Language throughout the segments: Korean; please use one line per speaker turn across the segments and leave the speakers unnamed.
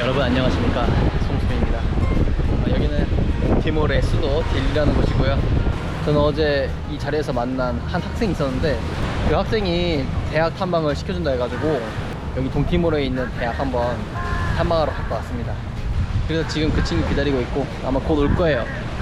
여러분 안녕하십니까, 송수빈입니다. 여기는 티모르의 수도 딜리라는 곳이고요. 저는 어제 이 자리에서 만난 한 학생이 있었는데 그 학생이 대학 탐방을 시켜준다 해가지고 여기 동티모르에 있는 대학 한번 탐방하러 갔다 왔습니다. 그래서 지금 그 친구 기다리고 있고 아마 곧 올 거예요.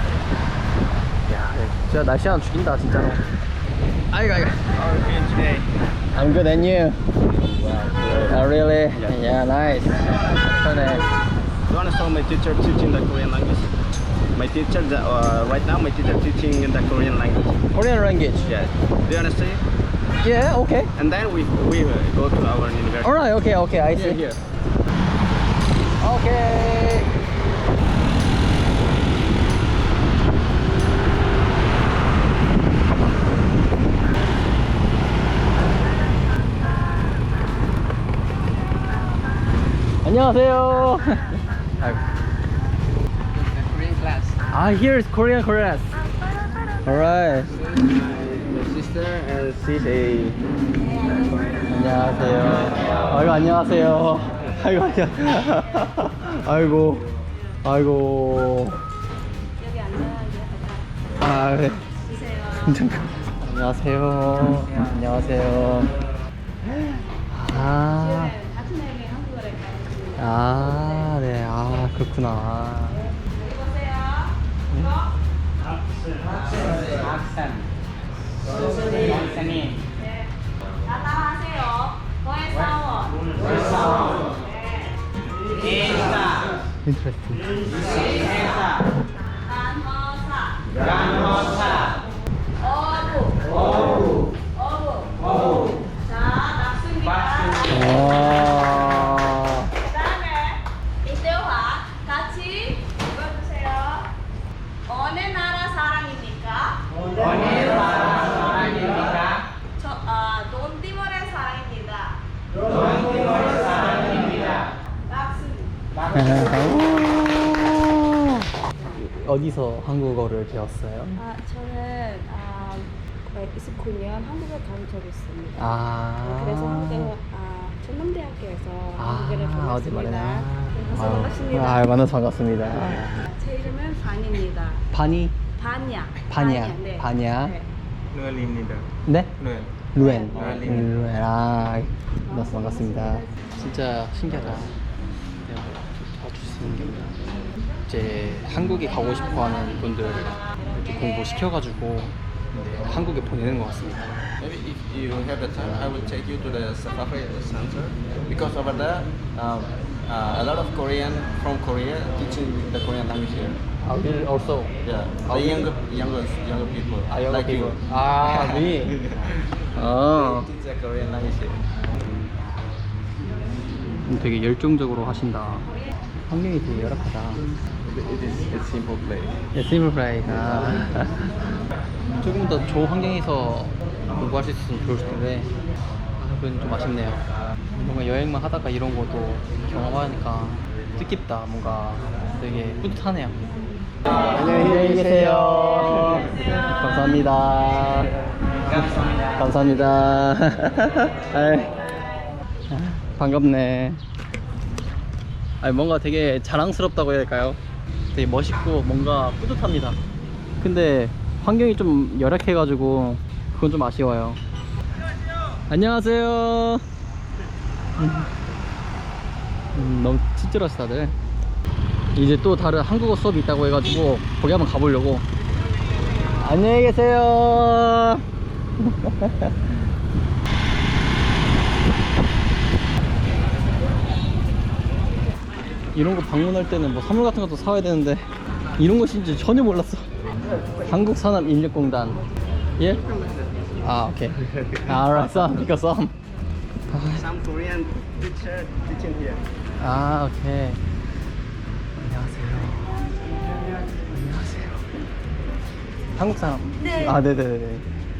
야, 진짜 날씨 하나 죽인다 진짜로. 아이고. I'm good, and you? Oh, really? Yeah, nice. So nice.
You want to show my teacher teaching the Korean language? My teacher, right now, my teacher teaching in the Korean language.
Korean language?
Yeah. Do you understand?
Yeah, okay.
And then we go to our university.
Alright, okay, I see.
Here.
Okay. 안녕하세요.
Korean class.
Here is Korean class. Alright.
My sister and she's a.
안녕하세요. 아이고 안녕하세요. 아이고.
여기 앉아야
아, 네.
주세요.
안녕하세요. 안녕하세요. 아,
같은 애기 한국어를 가르치고.
네. 그렇구나.
여기 보세요. 네. 다 따라하세요. 너의 사원. 네.
Interesting.
간호사. 어부. 자, 낙수입니다.
와.
그다음에 이태화 같이 읽어주세요. 어느 나라 사람입니까? 돈티모르의 사람입니다. 낙수.
어디서 한국어를 배웠어요?
저는 29년 한국을 간 적이 있습니다. 그래서 한국에 전남대학교에서 한국어를
어디 말이야.
배웠습니다. 만나서 반갑습니다.
만나서 반갑습니다.
제 이름은 반입니다.
바니?
바냐. 네.
바냐.
네.
노엘입니다.
네?
노엘.
루엔.
루엔.
루엔. 만나서 반갑습니다. 진짜 신기하다. 내가 도와줄 수 있는 게 없나. 이제 한국에 가고 싶어하는 분들 이렇게 공부 시켜가지고 한국에 보내는 것 같습니다.
Maybe if you have the time, I will take you to the Safari Center because over there, a lot of Korean from Korea teaching the Korean language here.
Also.
Yeah, the younger people.
Younger
like
people.
you.
Me.
They teach the Korean language here.
되게 열정적으로 하신다. 환경이 되게 열악하다.
It is a simple place.
스물 프라이가 조금 더 좋은 환경에서 공부할 수 있었으면 좋을 텐데 그건 좀 아쉽네요. 뭔가 여행만 하다가 이런 것도 경험하니까 뜻깊다. 뭔가 되게 뿌듯하네요. 안녕히 계세요. 감사합니다. 감사합니다. 반갑네. 뭔가 되게 자랑스럽다고 해야 될까요? 되게 멋있고 뭔가 뿌듯합니다. 근데 환경이 좀 열악해가지고 그건 좀 아쉬워요. 안녕하세요. 너무 친절하시 다들. 이제 또 다른 한국어 수업이 있다고 해가지고 거기 한번 가보려고. 안녕히 계세요. 이런 거 방문할 때는 뭐 선물 같은 것도 사와야 되는데 이런 것인지 전혀 몰랐어. 한국산업인력공단. 예? 오케이. alright, some.
Some Korean teacher teaching here.
오케이. 안녕하세요. 한국 사람?
네.
네네네.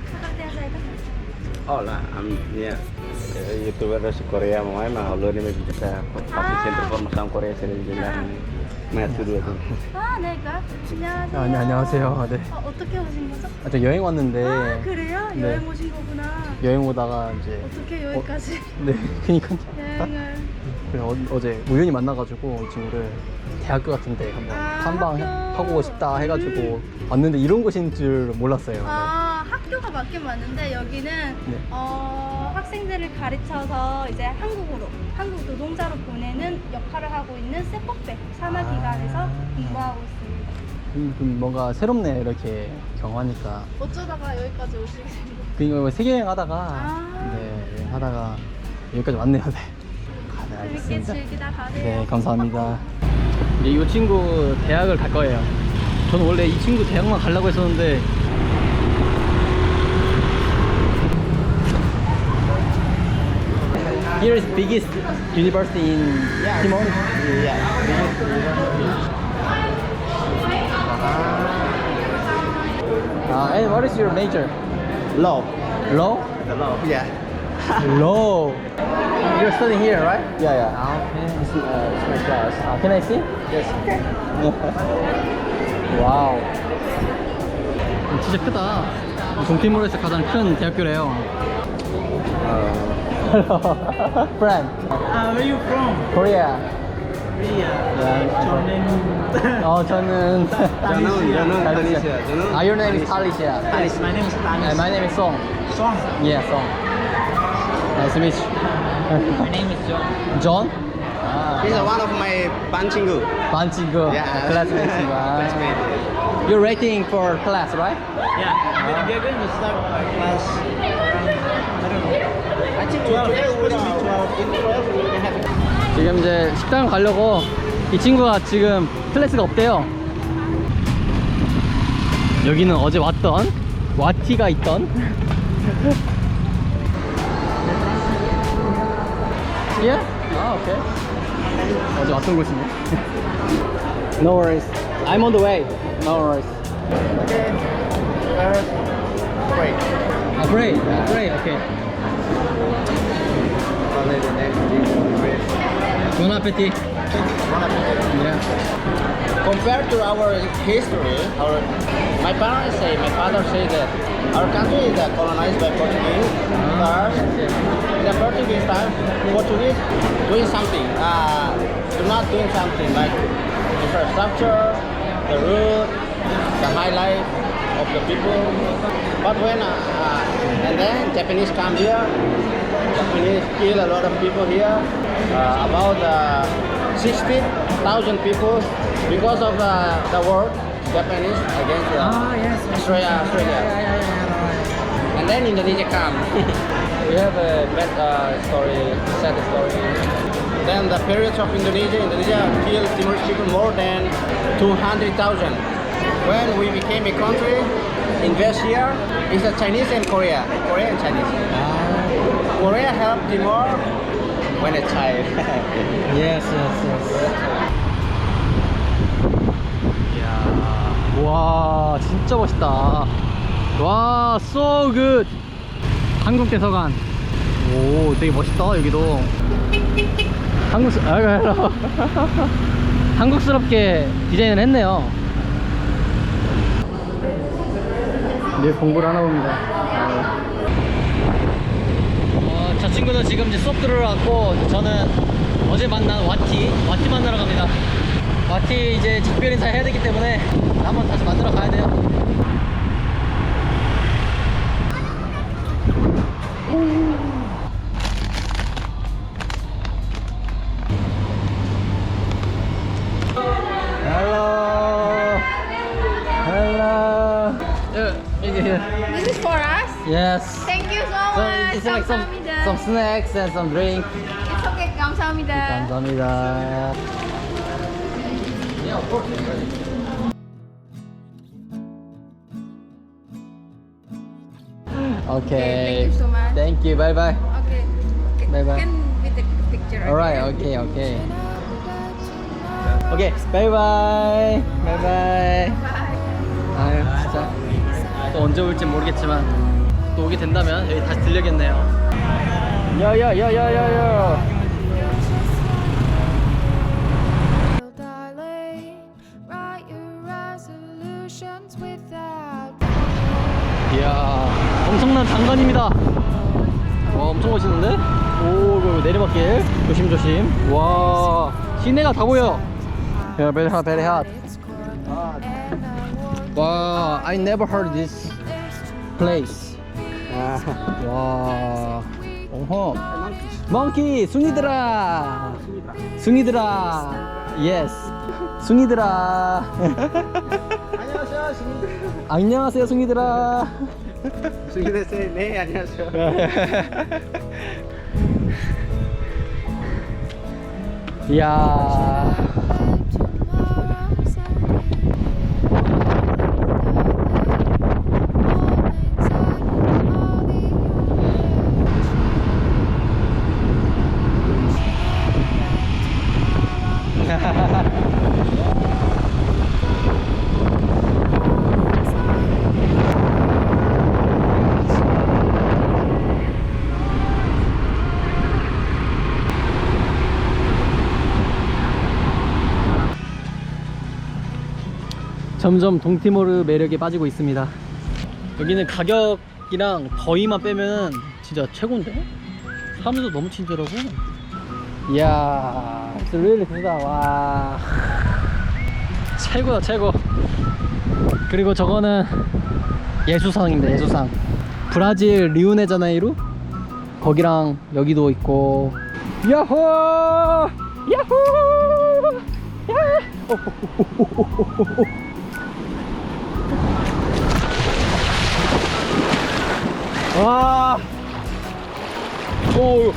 Yeah. YouTuber dari Korea mau main mah lo ini bisa pasti center formação Korea sering bilang Matthew dua tuh.
내가 안녕하세요.
안녕하세요. 네.
어떻게 오신 거죠?
저 여행 왔는데.
그래요?
네.
여행 오신 거구나.
여행 오다가 이제
어떻게 여기까지
네, 그니까요.
여행을
그래서 어제 우연히 만나가지고 이 친구를 대학교 같은데 한번 탐방하고 싶다 해가지고 왔는데 이런 곳인 줄 몰랐어요.
아, 학교가 맞긴 맞는데 여기는
네.
학생들을 가르쳐서 이제 한국 노동자로 보내는 역할을 하고 있는 세법대 산하기관에서 공부하고 있습니다.
그럼 뭔가 새롭네 이렇게 경험하니까.
어쩌다가 여기까지 오시게 된 거예요?
그러니까 세계 여행 하다가
아.
네, 여행하다가 여기까지 왔네요. 네. 네,
재밌게
알겠습니다.
즐기다 가세요.
네, 감사합니다. 이제 이 친구 대학을 갈 거예요. 저는 원래 이 친구 대학만 가려고 했었는데 Here is biggest university in Timor. And what is your major?
Law.
Law?
The law. Yeah.
Law. You're studying here, right?
Yeah.
Okay.
It's my class.
Can I see?
Yes.
와우. 진짜 크다. 동티모르에서 가장 큰 대학교래요. Friend.
Where are you from?
Korea.
Korea.
Yeah. 저는
저는
Talisha. Your name is Talisha.
Tanis. My name is Tanis.
And my name is Song.
Song.
Yeah, Song. Nice to meet you.
My name is John.
John?
He's one of my banchinggu.
반친구.
Yeah.
Classmates.
Classmate.
You're waiting for class, right?
Yeah. We are going to start our class around, I don't know.
I think
12. It's supposed to be 12.
In 12 we will have.
지금 이제 식당 가려고 이 친구가 지금 클래스가 없대요. 여기는 어제 왔던 와티가 있던 Yeah? 아, 오케이. 어제 왔던 곳이네. No worries. I'm on the way. No worries.
Okay. Great.
아, great. Great. Okay.
Only the next thing. Great.
Bon appetit. Yeah.
Compared to our history, my parents say, my father say that our country is colonized by Portuguese. First, in the Portuguese time, Portuguese doing something, do not doing something like infrastructure, the road, the high life of the people. But when and then Japanese come here, Japanese kill a lot of people here, about 60,000 people because of the war Japanese against
yes.
Australia. And then Indonesia come. We have a bad story, sad story. Then the periods of Indonesia killed Timorese people more than 200,000. When we became a country, invest here is the Chinese and Korea and Chinese. Korea helped Timor when a child.
Yes. 이야, 와, 진짜 멋있다. 와, so good. 한국 대사관. 오, 되게 멋있다, 여기도. 한국스럽게 디자인을 했네요. 늘 공부를 하나 봅니다. 저 친구는 지금 이제 수업 들으러 왔고, 저는 어제 만난 와티 만나러 갑니다. 와티 이제 작별 인사 해야 되기 때문에 한번 다시 만나러 가야 돼요. Hello.
This is for us.
Yes.
Thank you so
So
much.
it's like some snacks and some drink.
It's okay. 감사합니다.
감사합니다. Okay.
Thank you so much.
Thank you. Bye bye.
Okay.
Bye bye.
Can we take a picture?
Alright. Okay. Okay. Bye bye. Bye bye. 아유 진짜 또 언제 올지 모르겠지만 또 오게 된다면 여기 다시 들려겠네요. 야야야야야야. 이야, 엄청난 장관입니다. 와, 엄청 멋있는데? 오, 이거 내리막길 조심조심. 와, 시내가 다 보여. 야, very hot, very hot. 와, I never heard this place. 와, 어허. 몽키, 숭이들아. 숭이들아. Yes. 숭이들아.
안녕하세요, 숭이들.
안녕하세요, 숭이들아.
숭이들 네, 안녕하세요.
이야. 점점 동티모르 매력에 빠지고 있습니다. 여기는 가격이랑 더위만 빼면 진짜 최고인데? 사람들도 너무 친절하고. 이야, it's really 좋다. 와, 최고다 최고. 그리고 저거는 예수상입니다. 예수상. 브라질 리우네자네이루 거기랑 여기도 있고. 야호! 야호! 야! 와. 오.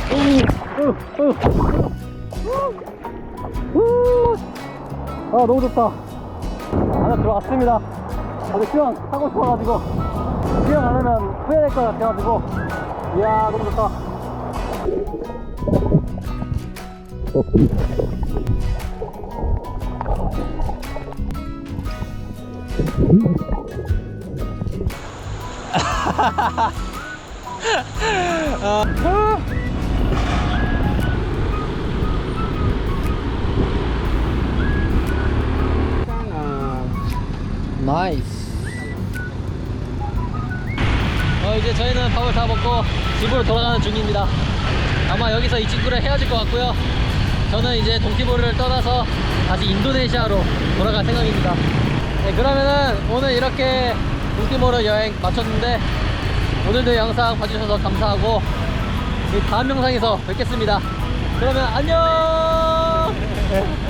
아, 너무 좋다. 안에 들어왔습니다. 다들 수영하고 싶어가지고 수영 안 하면 후회될 것 같아가지고. 이야, 너무 좋다. 나이스. 이제 저희는 밥을 다 먹고 집으로 돌아가는 중입니다. 아마 여기서 이 친구랑 헤어질 것 같고요. 저는 이제 동티모르를 떠나서 다시 인도네시아로 돌아갈 생각입니다. 네, 그러면은 오늘 이렇게 동티모르 여행 마쳤는데, 오늘도 영상 봐주셔서 감사하고 다음 영상에서 뵙겠습니다. 그러면 안녕.